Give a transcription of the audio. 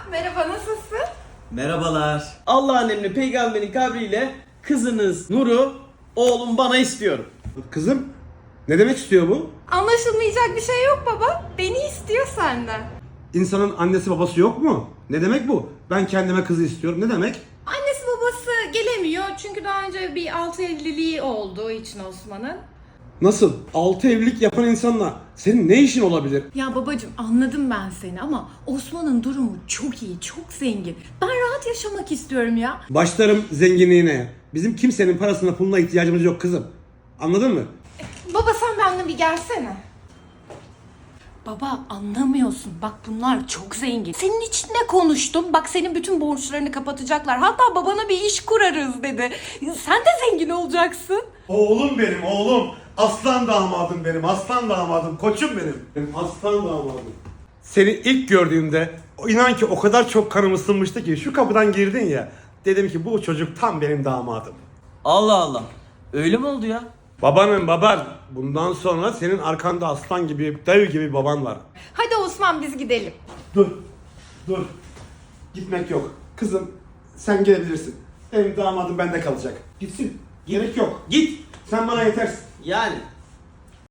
Merhaba, nasılsın? Merhabalar. Allah'ın emri peygamberin kabriyle kızınız Nur'u oğlum bana istiyorum. Kızım, ne demek istiyor bu? Anlaşılmayacak bir şey yok baba. Beni istiyor senden. İnsanın annesi babası yok mu? Ne demek bu? Ben kendime kızı istiyorum. Ne demek? Annesi babası gelemiyor çünkü daha önce bir altı evliliği olduğu için Osman'ın. Nasıl? 6 evlilik yapan insanla senin ne işin olabilir? Ya babacığım anladım ben seni ama Osman'ın durumu çok iyi, çok zengin. Ben rahat yaşamak istiyorum ya. Başlarım zenginliğine. Bizim kimsenin parasına puluna ihtiyacımız yok kızım. Anladın mı? Baba sen benimle bir gelsene. Baba anlamıyorsun. Bak bunlar çok zengin. Senin için ne konuştum? Bak senin bütün borçlarını kapatacaklar. Hatta babana bir iş kurarız dedi. Sen de zengin olacaksın. Oğlum benim oğlum. Aslan damadım benim. Aslan damadım. Koçum benim. Benim aslan damadım. Seni ilk gördüğümde inan ki o kadar çok kanım ısınmıştı ki şu kapıdan girdin ya. Dedim ki bu çocuk tam benim damadım. Allah Allah. Öyle mi oldu ya? Babanın baban. Bundan sonra senin arkanda aslan gibi, dev gibi baban var. Hadi Osman biz gidelim. Dur. Dur. Gitmek yok. Kızım sen gelebilirsin. Benim damadım bende kalacak. Gitsin. Gerek yok. Git. Sen bana yetersin. Yani